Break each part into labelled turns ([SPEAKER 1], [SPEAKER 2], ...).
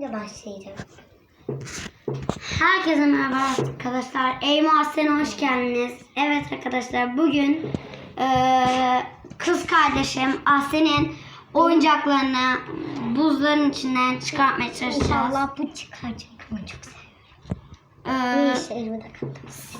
[SPEAKER 1] başlayacağım. Herkese merhaba arkadaşlar. Eyma Aslen'e hoş geldiniz. Evet arkadaşlar, bugün kız kardeşim Aslen'in oyuncaklarını buzların içinden çıkartmaya çalışacağız.
[SPEAKER 2] İnşallah bu çıkacak. Bunu çok seviyorum. İşte elime takıldım.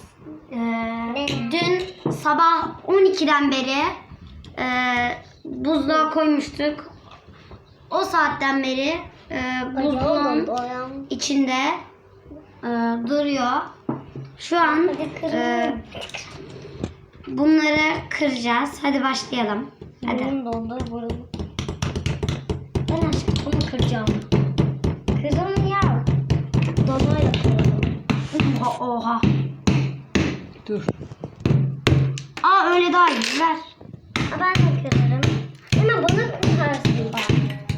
[SPEAKER 1] Dün sabah 12'den beri buzluğa koymuştuk. O saatten beri buzluğun içinde duruyor. Şu an bunları kıracağız. Hadi başlayalım. Hadi.
[SPEAKER 2] Burnum. Ben aşkım bunu kıracağım. Kırdım ya. Donayla kırdım.
[SPEAKER 1] Oha.
[SPEAKER 3] Dur.
[SPEAKER 1] Aa, öyle daha iyi. Ver.
[SPEAKER 2] Ben de kırarım. Ama bunu kırarsın bak.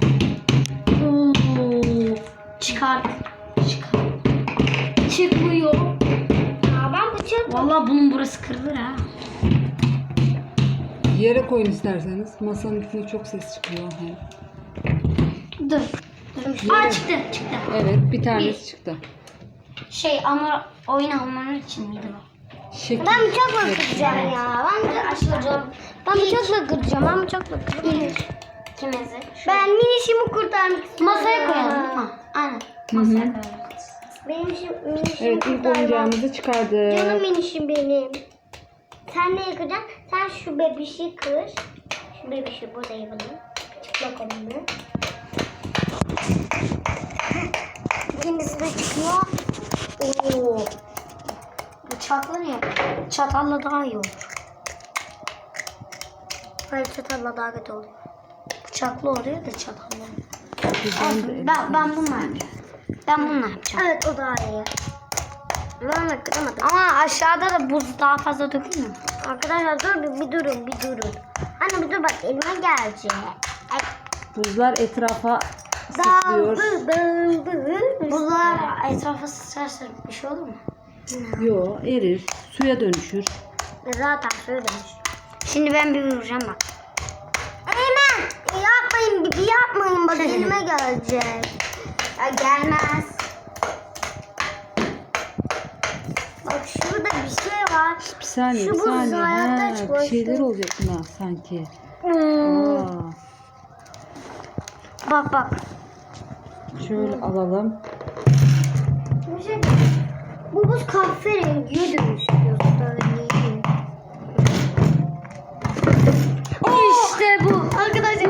[SPEAKER 1] Çıkar. Çıkmıyor.
[SPEAKER 2] Ya ben bıçak.
[SPEAKER 1] Vallahi bunun burası kırılır ha.
[SPEAKER 3] Yere koyun isterseniz. Masanın üstünde çok ses çıkıyor.
[SPEAKER 1] Dur. Aa, çıktı.
[SPEAKER 3] Evet, bir tanesi çıktı.
[SPEAKER 1] Ama oyun almanın için miydi bu?
[SPEAKER 3] Şekil.
[SPEAKER 2] Ben bıçakla kıracağım ya. Ben bıçakla kıracağım.
[SPEAKER 1] Kimizi?
[SPEAKER 2] Ben minişimi kurtarmak istiyorum.
[SPEAKER 1] Masaya koyalım. Ha, aynen. Masaya koyalım.
[SPEAKER 2] Benim minişimi
[SPEAKER 3] Evet, ilk
[SPEAKER 2] kurtarmak.
[SPEAKER 3] oyuncağımızı çıkardık.
[SPEAKER 2] Canım minişim benim. Sen ne yıkacaksın? Sen şu bebişi kır. Şu bebişi burada yapalım. Çıplak onu. İkincisi de çıkıyor.
[SPEAKER 1] Oo. Bıçakla ne yapalım? Çatalla daha iyi olur.
[SPEAKER 2] Hayır, çatalla daha kötü oluyor.
[SPEAKER 1] Bıçaklı oluyor da çatalla.
[SPEAKER 3] Güzel.
[SPEAKER 1] Ben bununla yapacağım. Ben bununla yapacağım.
[SPEAKER 2] Evet, o daha iyi. Ben de kıramadım.
[SPEAKER 1] Ama aşağıda da buz daha fazla dökülmüyor.
[SPEAKER 2] Arkadaşlar dur bir durun. Anne bir dur, bak elime gelecek.
[SPEAKER 3] Buzlar etrafa
[SPEAKER 2] Dağ
[SPEAKER 3] sıçrıyor.
[SPEAKER 1] Buzlar etrafa sıçrarsa bir şey olur mu?
[SPEAKER 3] Yo, erir. Suya dönüşür.
[SPEAKER 2] Zaten söylemiş.
[SPEAKER 1] Şimdi ben bir vuracağım bak.
[SPEAKER 2] Eymen yapmayın bak elime gelecek.
[SPEAKER 1] Ya gelmez.
[SPEAKER 2] Bak şurada bir şey var.
[SPEAKER 3] Bir saniye,
[SPEAKER 2] Şu
[SPEAKER 3] bir
[SPEAKER 2] buz
[SPEAKER 3] saniye.
[SPEAKER 2] hayatta
[SPEAKER 3] Ha, bir
[SPEAKER 2] çıkmıştı.
[SPEAKER 3] şeyler olacak buna sanki. Aa,
[SPEAKER 1] Bak.
[SPEAKER 3] şöyle alalım.
[SPEAKER 2] Bir şey, bu buz kahverengiye dönüşüyor. Söyleyeyim.
[SPEAKER 1] İşte bu.
[SPEAKER 2] Arkadaşlar.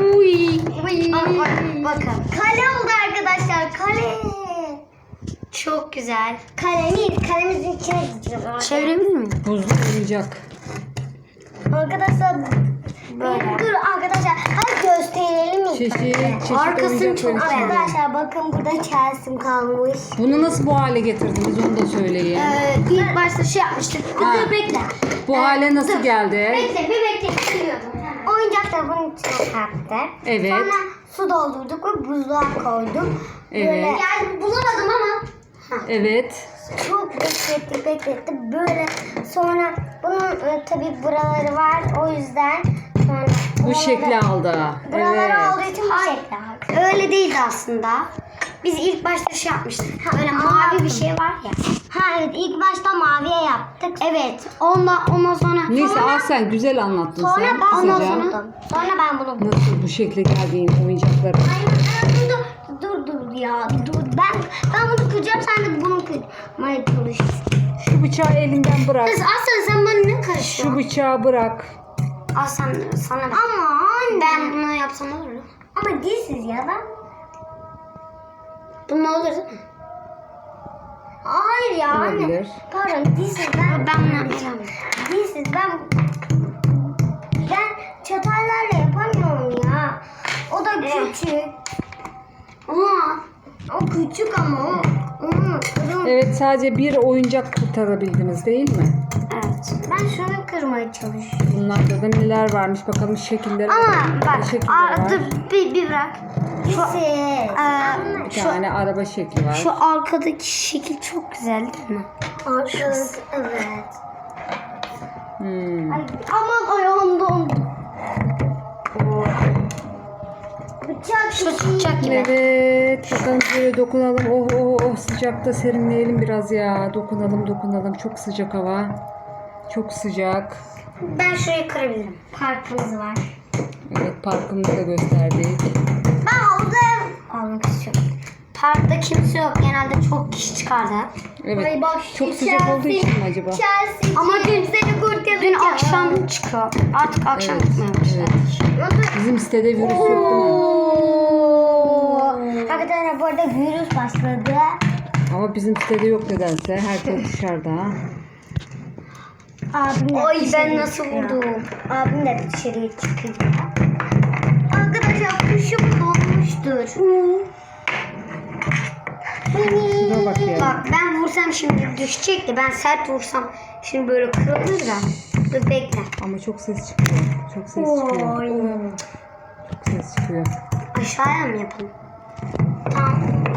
[SPEAKER 1] Bakın.
[SPEAKER 2] Kale oldu arkadaşlar. Kale.
[SPEAKER 1] Çok güzel.
[SPEAKER 2] Kalemizin içine gideceğiz.
[SPEAKER 1] Çevirebilir miyim?
[SPEAKER 3] Buzlu oyuncak.
[SPEAKER 2] Arkadaşlar.
[SPEAKER 1] Böyle.
[SPEAKER 2] Dur arkadaşlar. Hadi gösterelim ilk.
[SPEAKER 3] Çeşit
[SPEAKER 1] Arkasını
[SPEAKER 3] oyuncaklar
[SPEAKER 1] çok
[SPEAKER 3] içinde.
[SPEAKER 2] Arkadaşlar bakın burada Chelsea'm kalmış.
[SPEAKER 3] Bunu nasıl bu hale getirdiniz onu da söyleyin.
[SPEAKER 1] İlk başta şey yapmıştık.
[SPEAKER 3] Ha.
[SPEAKER 1] Dur bekle.
[SPEAKER 3] Bu hale nasıl geldi?
[SPEAKER 1] Bekle. Biliyordum.
[SPEAKER 2] Oyuncakları bunun içine kattık.
[SPEAKER 3] Evet.
[SPEAKER 2] Sonra su doldurduk ve buzluğa koyduk.
[SPEAKER 3] Evet.
[SPEAKER 2] Böyle, yani bulamadım ama
[SPEAKER 3] Evet.
[SPEAKER 2] çok beklettik. Böyle sonra bunun tabii buraları var. O yüzden sonra
[SPEAKER 3] Bu şekli aldı.
[SPEAKER 2] buraları
[SPEAKER 3] Evet.
[SPEAKER 2] olduğu için bu şekli aldı.
[SPEAKER 1] Öyle değildi aslında. Biz ilk başta şey yapmıştık. Böyle mavi
[SPEAKER 2] anlattım.
[SPEAKER 1] bir şey var ya.
[SPEAKER 2] Ha evet, ilk başta maviye yaptık.
[SPEAKER 1] Evet. Ondan sonra.
[SPEAKER 3] Neyse al sen güzel anlattın
[SPEAKER 2] Sonra
[SPEAKER 3] sen.
[SPEAKER 2] ben bunu
[SPEAKER 3] Kısaca.
[SPEAKER 2] buldum. Sonra ben bunu buldum.
[SPEAKER 3] Nasıl bu şekle geldiğin oyuncakları.
[SPEAKER 2] Dur ya. Dur. Ben bunu kıracağım, sen de bunu kırmaya çalış.
[SPEAKER 3] Şu bıçağı elinden bırak.
[SPEAKER 1] Kız Aslan, sen bana ne
[SPEAKER 3] Şu
[SPEAKER 1] karışıyorsun?
[SPEAKER 3] bıçağı bırak.
[SPEAKER 1] Aslan sana ben.
[SPEAKER 2] Ama anne.
[SPEAKER 1] Ben bunu yapsam olur mu?
[SPEAKER 2] Ama dilsiz ya ben.
[SPEAKER 1] Bununla olur değil mi?
[SPEAKER 2] Hayır ya anne.
[SPEAKER 3] Olabilir.
[SPEAKER 2] Pardon, dilsiz ben.
[SPEAKER 1] Ben bunu yapacağım.
[SPEAKER 2] Dilsiz ben çatallarla yapamıyorum ya. O da küçük. O küçük ama onu kırım.
[SPEAKER 3] Evet, sadece bir oyuncak kurtarabildiniz değil mi?
[SPEAKER 1] Evet.
[SPEAKER 2] Ben şunu kırmaya çalışıyorum.
[SPEAKER 3] Bunlarda da neler varmış bakalım, şekilleri.
[SPEAKER 1] Ama bak.
[SPEAKER 3] Ne şekilleri var?
[SPEAKER 1] Dur bir bırak.
[SPEAKER 2] Dilsiz.
[SPEAKER 3] Bir tane araba şekli var.
[SPEAKER 1] Şu arkadaki şekil çok güzel değil mi?
[SPEAKER 2] Arkası, evet.
[SPEAKER 3] Hmm.
[SPEAKER 2] Ay, aman ayağım dondu.
[SPEAKER 1] Su tutacak gibi.
[SPEAKER 3] Evet. Bakalım şöyle dokunalım. Oh oh oh, sıcakta serinleyelim biraz ya. Dokunalım. Çok sıcak hava. Çok sıcak.
[SPEAKER 1] Ben şurayı kırabilirim.
[SPEAKER 2] Parkımız var.
[SPEAKER 3] Evet, parkımızı da gösterdik.
[SPEAKER 2] Ben havuza
[SPEAKER 1] Almak istiyorum. Parkta kimse yok. Genelde çok kişi çıkardı.
[SPEAKER 3] Evet.
[SPEAKER 2] Ay bak,
[SPEAKER 3] Çok sıcak olduğu için mi acaba?
[SPEAKER 2] Chelsea.
[SPEAKER 1] Ama dün
[SPEAKER 2] seni kurtaracağım.
[SPEAKER 1] Dün akşam çıkıyor. Artık akşam
[SPEAKER 3] Evet,
[SPEAKER 1] çıkmaya başladı.
[SPEAKER 3] Bizim sitede virüs yok değil mi?
[SPEAKER 2] Arkadaşlar bu arada virüs başladı.
[SPEAKER 3] Ama bizim sitede yok nedense. Herkes dışarıda.
[SPEAKER 2] Abim de
[SPEAKER 1] Ay ben
[SPEAKER 2] dışarıya
[SPEAKER 1] nasıl
[SPEAKER 2] çıkıyor.
[SPEAKER 1] vurdum?
[SPEAKER 2] Abim de dışarıya çıkıyor. Arkadaşlar kuşum donmuştur.
[SPEAKER 3] Şuna bak ya.
[SPEAKER 1] Bak ben vursam şimdi düşecekti. Ben sert vursam şimdi böyle kırılır da. Dur bekle.
[SPEAKER 3] Ama çok ses çıkıyor. Çok ses çıkıyor. Çok ses çıkıyor.
[SPEAKER 1] Aşağıya mı yapalım? Tamam.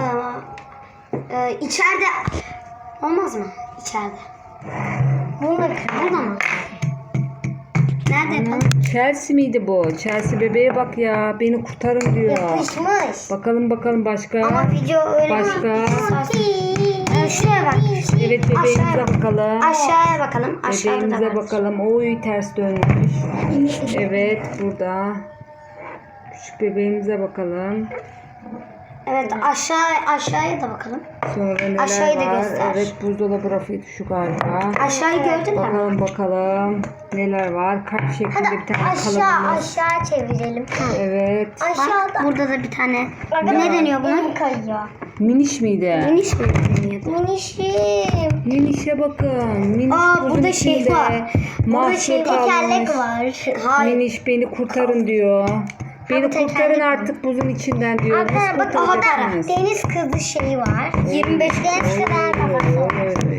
[SPEAKER 1] İçeride olmaz mı? İçeride. Burada mı? Nerede yapalım?
[SPEAKER 3] Chelsea miydi bu? Chelsea bebeğe bak ya. Beni kurtarın diyor.
[SPEAKER 2] Yapışmış.
[SPEAKER 3] Bakalım başka.
[SPEAKER 1] Ama video öyle
[SPEAKER 3] Başka?
[SPEAKER 1] Şuraya bak.
[SPEAKER 3] Evet, bebeğimize
[SPEAKER 1] Aşağıya
[SPEAKER 3] bakalım.
[SPEAKER 1] Aşağıya bakalım. Aşağıda da
[SPEAKER 3] Bebeğimize
[SPEAKER 1] var.
[SPEAKER 3] bakalım. Oy, ters dönmüş. Evet, burada. Küçük bebeğimize bakalım.
[SPEAKER 1] Evet aşağıya da bakalım.
[SPEAKER 3] Sonra neler
[SPEAKER 1] Aşağıyı da
[SPEAKER 3] var?
[SPEAKER 1] göster.
[SPEAKER 3] Evet, buzdolabı rafıydı şu galiba.
[SPEAKER 1] Aşağıyı gördün mü?
[SPEAKER 3] Bakalım. Neler var? Kalp şeklinde bir tane kalıbımız.
[SPEAKER 2] Aşağı çevirelim.
[SPEAKER 3] Evet.
[SPEAKER 1] Bak burada da bir tane. Ne deniyor buna?
[SPEAKER 2] Kayıyor.
[SPEAKER 3] Miniş miydi?
[SPEAKER 1] Miniş mi deniyordu?
[SPEAKER 2] Minişim.
[SPEAKER 3] Minişe bakın. Miniş buzun
[SPEAKER 1] burada şey
[SPEAKER 3] içinde.
[SPEAKER 1] var. Burada şey
[SPEAKER 3] Mahsur kalmış.
[SPEAKER 2] Tekerlek var.
[SPEAKER 1] Hayır.
[SPEAKER 3] Miniş beni kurtarın diyor. Beni
[SPEAKER 2] tekerlek
[SPEAKER 3] kurtarın
[SPEAKER 2] mi?
[SPEAKER 3] artık buzun içinden diyor. Nasıl
[SPEAKER 2] Arkadaşlar bak orada
[SPEAKER 3] kurtaracaksınız?
[SPEAKER 2] deniz kızı şeyi var. 25 deniz kadar kafası var.
[SPEAKER 3] Evet.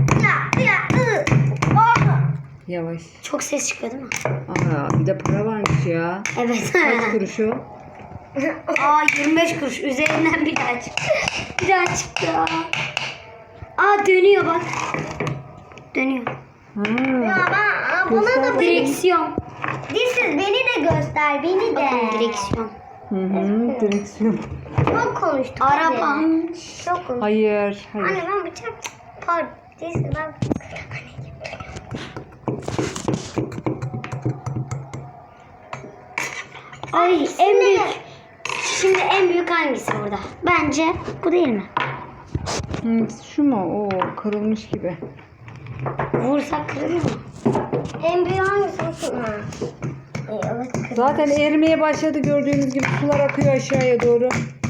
[SPEAKER 2] Oh.
[SPEAKER 3] Yavaş.
[SPEAKER 1] Çok ses çıkıyor değil mi?
[SPEAKER 3] Aa, bir de para varmış ya.
[SPEAKER 1] Evet.
[SPEAKER 3] Kaç kuruş o?
[SPEAKER 1] 25 kuruş. Üzerinden bir daha çıktı. Bir daha çıktı. Dönüyor bak. Dönüyor.
[SPEAKER 2] Ya
[SPEAKER 3] Ha.
[SPEAKER 2] ben buna
[SPEAKER 3] Göster
[SPEAKER 2] da
[SPEAKER 1] Direksiyon.
[SPEAKER 2] beni de göster beni de.
[SPEAKER 1] Direksiyon.
[SPEAKER 3] Hı, direksiyon.
[SPEAKER 2] Çok konuştuk.
[SPEAKER 1] Araba.
[SPEAKER 2] hadi. Çok konuştuk.
[SPEAKER 3] Hayır.
[SPEAKER 2] Anne ben bıçak. Pardon. Neyse ben.
[SPEAKER 1] Ay en büyük. Şimdi en büyük hangisi burada? Bence bu değil mi?
[SPEAKER 3] Hı, şu mu? Oo, kırılmış gibi.
[SPEAKER 1] Vursak kırılır mı?
[SPEAKER 2] En büyük hangisi mı? Evet kız.
[SPEAKER 3] Zaten erimeye başladı, gördüğünüz gibi sular akıyor aşağıya doğru.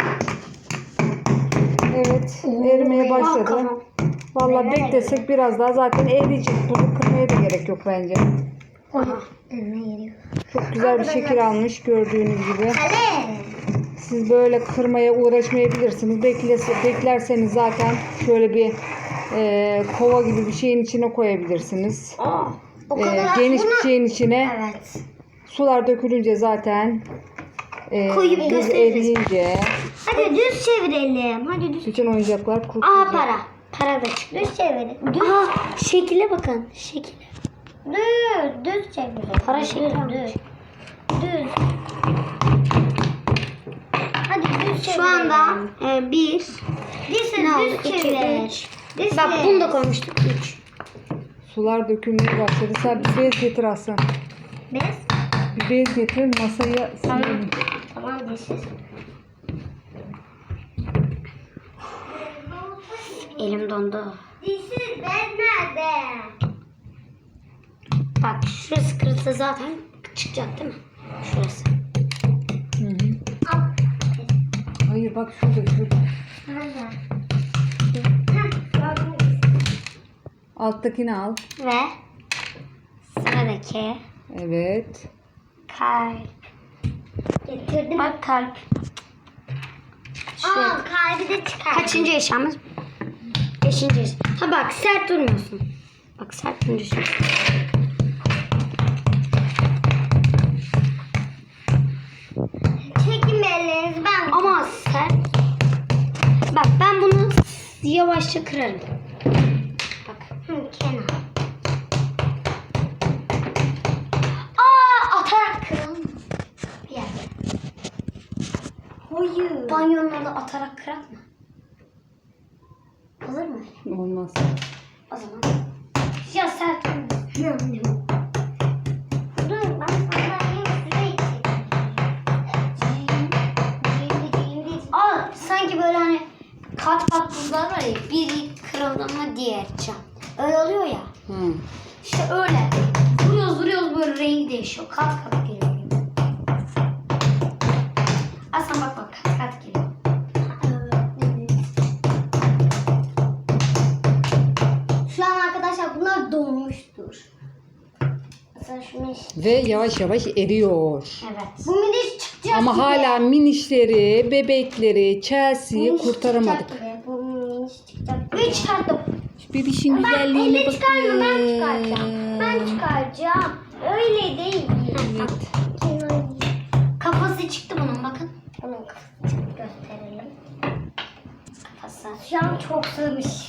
[SPEAKER 3] Evet, erimeye başladı.
[SPEAKER 1] Bakalım.
[SPEAKER 3] Vallahi beklesek biraz daha zaten eriyecek. Bunu kırmaya da gerek yok bence.
[SPEAKER 1] Aha.
[SPEAKER 2] Ne geliyor?
[SPEAKER 3] Çok güzel bir şekil almış gördüğünüz gibi.
[SPEAKER 2] Kale.
[SPEAKER 3] Siz böyle kırmaya uğraşmayabilirsiniz. Beklerseniz zaten şöyle bir kova gibi bir şeyin içine koyabilirsiniz.
[SPEAKER 2] O kadar
[SPEAKER 3] Geniş bir şeyin içine
[SPEAKER 1] Evet.
[SPEAKER 3] sular dökülünce zaten
[SPEAKER 1] Koyup
[SPEAKER 3] buz
[SPEAKER 1] gösteririz.
[SPEAKER 3] eriyince
[SPEAKER 2] Hadi düz çevirelim. Hadi düz.
[SPEAKER 3] bütün oyuncaklar kurtulacak.
[SPEAKER 1] Para. Para da çıktı.
[SPEAKER 2] Düz çevirelim. Düz.
[SPEAKER 1] Şekile bakın. Şekil.
[SPEAKER 2] Düz çevirelim.
[SPEAKER 1] Para şekli.
[SPEAKER 2] Düz. Düz. Hadi düz çevirelim.
[SPEAKER 1] Şu anda bir.
[SPEAKER 2] Düz
[SPEAKER 1] Ne oldu?
[SPEAKER 2] düz
[SPEAKER 1] 2,
[SPEAKER 2] çevir.
[SPEAKER 1] 3.
[SPEAKER 2] Düz
[SPEAKER 1] Bak
[SPEAKER 2] çevir.
[SPEAKER 1] bunu da koymuştuk. 3.
[SPEAKER 3] Sular dökülmeye başladı. Sen bir bez getir Aslan.
[SPEAKER 2] Bez.
[SPEAKER 3] Bir bez getir, masaya silelim.
[SPEAKER 2] Tamam dişsiz.
[SPEAKER 1] Elim dondu.
[SPEAKER 2] Dişsiz bez nerede?
[SPEAKER 1] Bak şurası kırılsa zaten çıkacak değil mi? Şurası.
[SPEAKER 3] Hı hı.
[SPEAKER 2] Al.
[SPEAKER 3] Hayır bak şurada.
[SPEAKER 2] Nerede? Heh, gördüm.
[SPEAKER 3] Alttakini al.
[SPEAKER 1] Ve sıradaki
[SPEAKER 3] Evet.
[SPEAKER 1] kalp.
[SPEAKER 2] Getirdim.
[SPEAKER 1] Bak kalp.
[SPEAKER 2] Aa, kalbi de çıkar.
[SPEAKER 1] Kaçıncı eşyamız? 5. eşya. Ha bak sert durmuyorsun. Bak sert durmuyorsun.
[SPEAKER 2] Çekin ellerinizi ben.
[SPEAKER 1] Ama sert. Bak ben bunu yavaşça kırarım. Bak.
[SPEAKER 2] Kenar.
[SPEAKER 1] Atarak kıralım. Bir yerde. banyonun orada atarak kırak mı? Olur mu?
[SPEAKER 3] Olmaz.
[SPEAKER 1] O zaman. Ya sert olmaz.
[SPEAKER 2] Dur ben sandalyeye şuraya çekeyim.
[SPEAKER 1] Aa, sanki böyle hani kat kat buzlar var ya, biri kırıldı mı diğer cam. Öyle oluyor ya.
[SPEAKER 3] Hı.
[SPEAKER 1] İşte öyle. Vuruyoruz böyle rengi değişiyor. Kat kat geliyor. Aslan bak kat kat geliyor.
[SPEAKER 2] Şu an arkadaşlar bunlar donmuştur. Mesela şu miniş.
[SPEAKER 3] Ve yavaş yavaş eriyor.
[SPEAKER 1] Evet.
[SPEAKER 2] Bu miniş çıkacak
[SPEAKER 3] Ama
[SPEAKER 2] gibi.
[SPEAKER 3] hala minişleri, bebekleri, Chelsea'yi
[SPEAKER 2] Miniş
[SPEAKER 3] kurtaramadık.
[SPEAKER 2] çıkacak gibi. Bu miniş çıkacak gibi.
[SPEAKER 1] Ve çıkarttım.
[SPEAKER 3] Bebişin
[SPEAKER 2] Ben
[SPEAKER 3] güzelliğine
[SPEAKER 2] elle
[SPEAKER 3] bakın.
[SPEAKER 2] çıkarmıyorum, ben çıkaracağım. Ben çıkaracağım. Öyle değil.
[SPEAKER 3] Evet.
[SPEAKER 1] Kafası çıktı bunun bakın.
[SPEAKER 2] Onun kafasını gösterelim.
[SPEAKER 1] Kafası.
[SPEAKER 2] Şu an çok sığmış.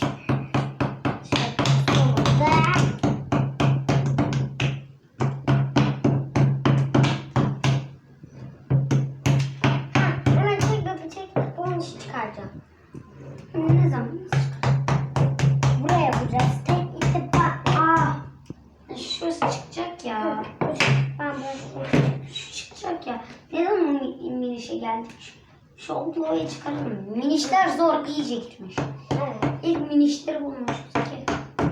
[SPEAKER 2] Hemen çek bebe çek. Bunun işi çıkaracağım.
[SPEAKER 1] Ne zaman?
[SPEAKER 2] Buraya yapacağız. Tek işte bak.
[SPEAKER 1] Şurası çıkacak ya.
[SPEAKER 2] Ben böyle
[SPEAKER 1] Şu çıkacak ya. Neden o minişe geldik? Şu obloyu çıkaralım. Minişler zor, iyice gitmiş.
[SPEAKER 2] evet.
[SPEAKER 1] İlk minişleri bulmuşuz ki.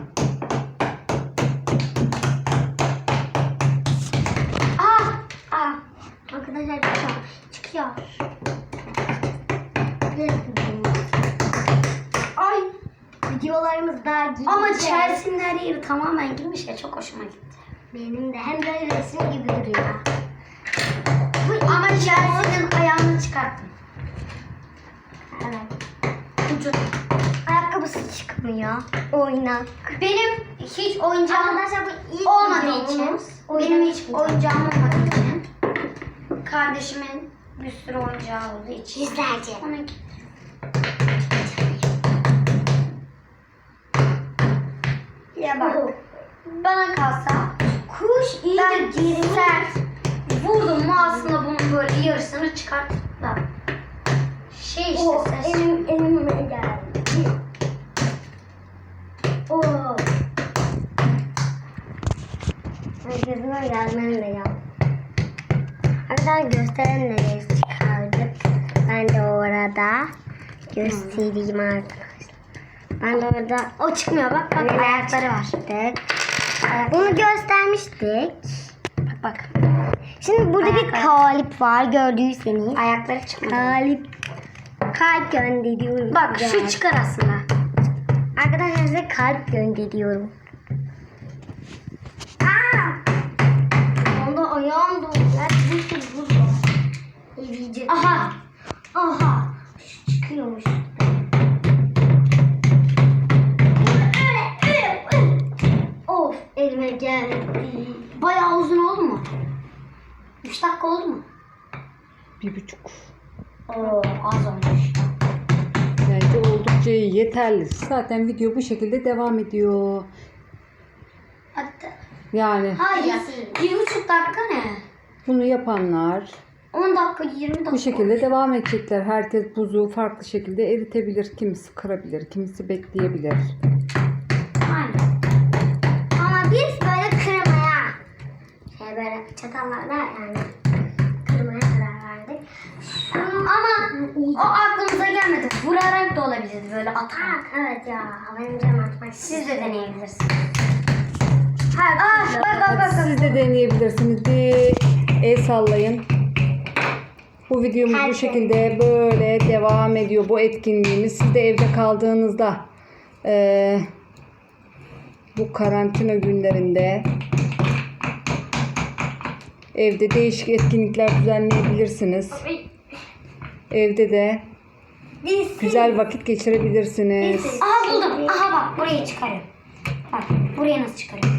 [SPEAKER 2] Arkadaşlar çıkıyor.
[SPEAKER 1] Ay.
[SPEAKER 2] Videolarımız daha gidecek.
[SPEAKER 1] Ama Chelsea'nin her yeri tamamen girmiş ya, çok hoşuma gitti.
[SPEAKER 2] Benim de hem böyle resim gibi duruyor.
[SPEAKER 1] Ama Chelsea'nin ayağını çıkarttım.
[SPEAKER 2] Evet.
[SPEAKER 1] Ucu.
[SPEAKER 2] Ayakkabısı çıkmıyor. Oynak.
[SPEAKER 1] Benim hiç oyuncağım
[SPEAKER 2] Arkadaşlar bu ilk
[SPEAKER 1] olmadığı için,
[SPEAKER 2] videomuz.
[SPEAKER 1] benim hiç oyuncağım olmadığı için, kardeşimin bir sürü oyuncağı olduğu için.
[SPEAKER 2] Yüzlerce.
[SPEAKER 1] Onunki. Ya bak, bana kalsa
[SPEAKER 2] Kuş
[SPEAKER 1] ben
[SPEAKER 2] iyice
[SPEAKER 1] sert vurdum mu aslında bunun böyle yarısını çıkartıp da şey işte
[SPEAKER 2] O
[SPEAKER 1] ses.
[SPEAKER 2] elime geldi. Oo. Gözüme gelmem de ya. Arkadaşlar gösteren nereye çıkardık. Ben de orada göstereyim arkadaşlar. Ben de orada
[SPEAKER 1] O çıkmıyor bak, bak ayakları var.
[SPEAKER 2] bunu göstermiştik.
[SPEAKER 1] Bak bak.
[SPEAKER 2] Şimdi burada bir
[SPEAKER 1] Ayakları.
[SPEAKER 2] kalip var gördüyseniz.
[SPEAKER 1] Ayakları çıkmıyor.
[SPEAKER 2] Kalip. Kalp gönderiyorum.
[SPEAKER 1] Bak
[SPEAKER 2] size.
[SPEAKER 1] şu çıkar aslında.
[SPEAKER 2] Arkadaşlar size kalp gönderiyorum. Onda ayağım doldu. Bir sürü buz var. Eriyecek.
[SPEAKER 1] Aha.
[SPEAKER 2] Aha. Şu çıkıyormuş. Of elime geldi.
[SPEAKER 1] Bayağı uzun oldu mu? 3 dakika oldu mu?
[SPEAKER 3] 1,5.
[SPEAKER 1] Oo, az olmuş.
[SPEAKER 3] Bence oldukça yeterli. Zaten video bu şekilde devam ediyor.
[SPEAKER 1] Hatta.
[SPEAKER 3] Yani
[SPEAKER 1] Hayır. 1,5 dakika ne?
[SPEAKER 3] bunu yapanlar
[SPEAKER 1] 10 dakika 20 dakika.
[SPEAKER 3] bu şekilde devam edecekler. Herkes buzu farklı şekilde eritebilir. Kimisi kırabilir, kimisi bekleyebilir.
[SPEAKER 1] Aynen.
[SPEAKER 2] Ama biz böyle kırmaya böyle çatallarla yani kırmaya karar verdik.
[SPEAKER 1] Ama o aklımıza gelmedi. Vurarak da olabilir böyle atarak.
[SPEAKER 2] Evet ya benim canım atmak
[SPEAKER 1] Siz de deneyebilirsiniz.
[SPEAKER 3] Hadi siz de deneyebilirsiniz. Bir el sallayın. Bu videomuz bu şekilde böyle devam ediyor. Bu etkinliğimiz. Siz de evde kaldığınızda bu karantina günlerinde evde değişik etkinlikler düzenleyebilirsiniz. Evde de güzel vakit geçirebilirsiniz.
[SPEAKER 1] Aha buldum. Aha bak burayı çıkarıyorum. Bak buraya nasıl çıkarıyorum.